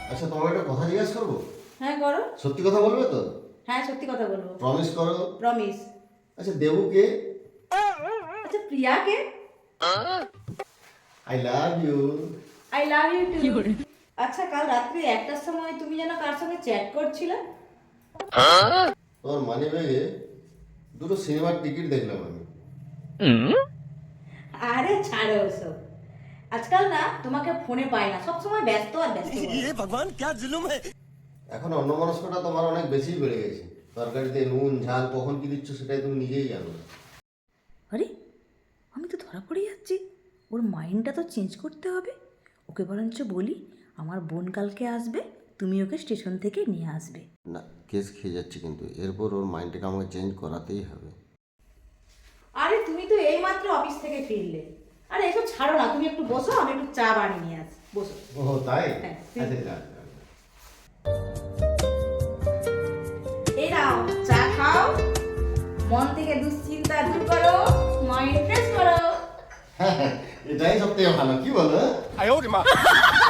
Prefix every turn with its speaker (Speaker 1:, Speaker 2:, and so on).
Speaker 1: আচ্ছা, তোমাকে একটা কথা জিজ্ঞাসা করবো?
Speaker 2: হ্যাঁ করো।
Speaker 1: সত্যি কথা বলবে তো?
Speaker 2: হ্যাঁ সত্যি কথা বলবো।
Speaker 1: প্রমিস করো।
Speaker 2: প্রমিস।
Speaker 1: আচ্ছা, দেবুকে
Speaker 2: আচ্ছা প্রিয়াকে
Speaker 1: I love you.
Speaker 2: I love you too. আচ্ছা কাল রাত্রি 1টার সময় তুমি যেন কার সঙ্গে চ্যাট করছিলে?
Speaker 1: তোমার মানি ব্যাগে দুটো সিনেমার টিকিট দেখলাম আমি।
Speaker 2: আরে ছাড়ো ওসব। আজকাল না তোমাকে ফোনে পাই না, সব সময় ব্যস্ত আর ব্যস্ত বলো।
Speaker 3: भगवान क्या जुलुम है।
Speaker 1: এখন অন্যমনস্কতা তোমার অনেক বেশিই বেড়ে গেছে। তরকারিতে নুন ঝাল কখন কি দিচ্ছ সেটাই তুমি নিজেই জানো না।
Speaker 2: আরে আমি তো ধরা পড়ে যাচ্ছি। ওর মাইন্ডটা তো চেঞ্জ করতে হবে। ওকে বরঞ্চ বলি আমার বোন কালকে আসবে, তুমি ওকে স্টেশন থেকে নিয়ে আসবে।
Speaker 1: না, কেস খেয়ে যাচ্ছে কিন্তু এরপর ওর মাইন্ডটাকে আমাকে চেঞ্জ করাতেই হবে।
Speaker 2: আরে তুমি তো এইমাত্র অফিস থেকে ফিরলে। আরে এসব ছাড়ো না, তুমি একটু বসো, আমি একটু চা বানিয়ে নিয়ে আসি। বসো।
Speaker 1: ও তাই?
Speaker 2: হ্যাঁ।
Speaker 1: আচ্ছা যা যা।
Speaker 2: এই নাও চা খাও, মন থেকে দুশ্চিন্তা দূর করো, মাইন্ড ফ্রেশ করো।
Speaker 1: এটাই সব থেকে ভালো, কি বলো?
Speaker 3: 哎呦我的妈！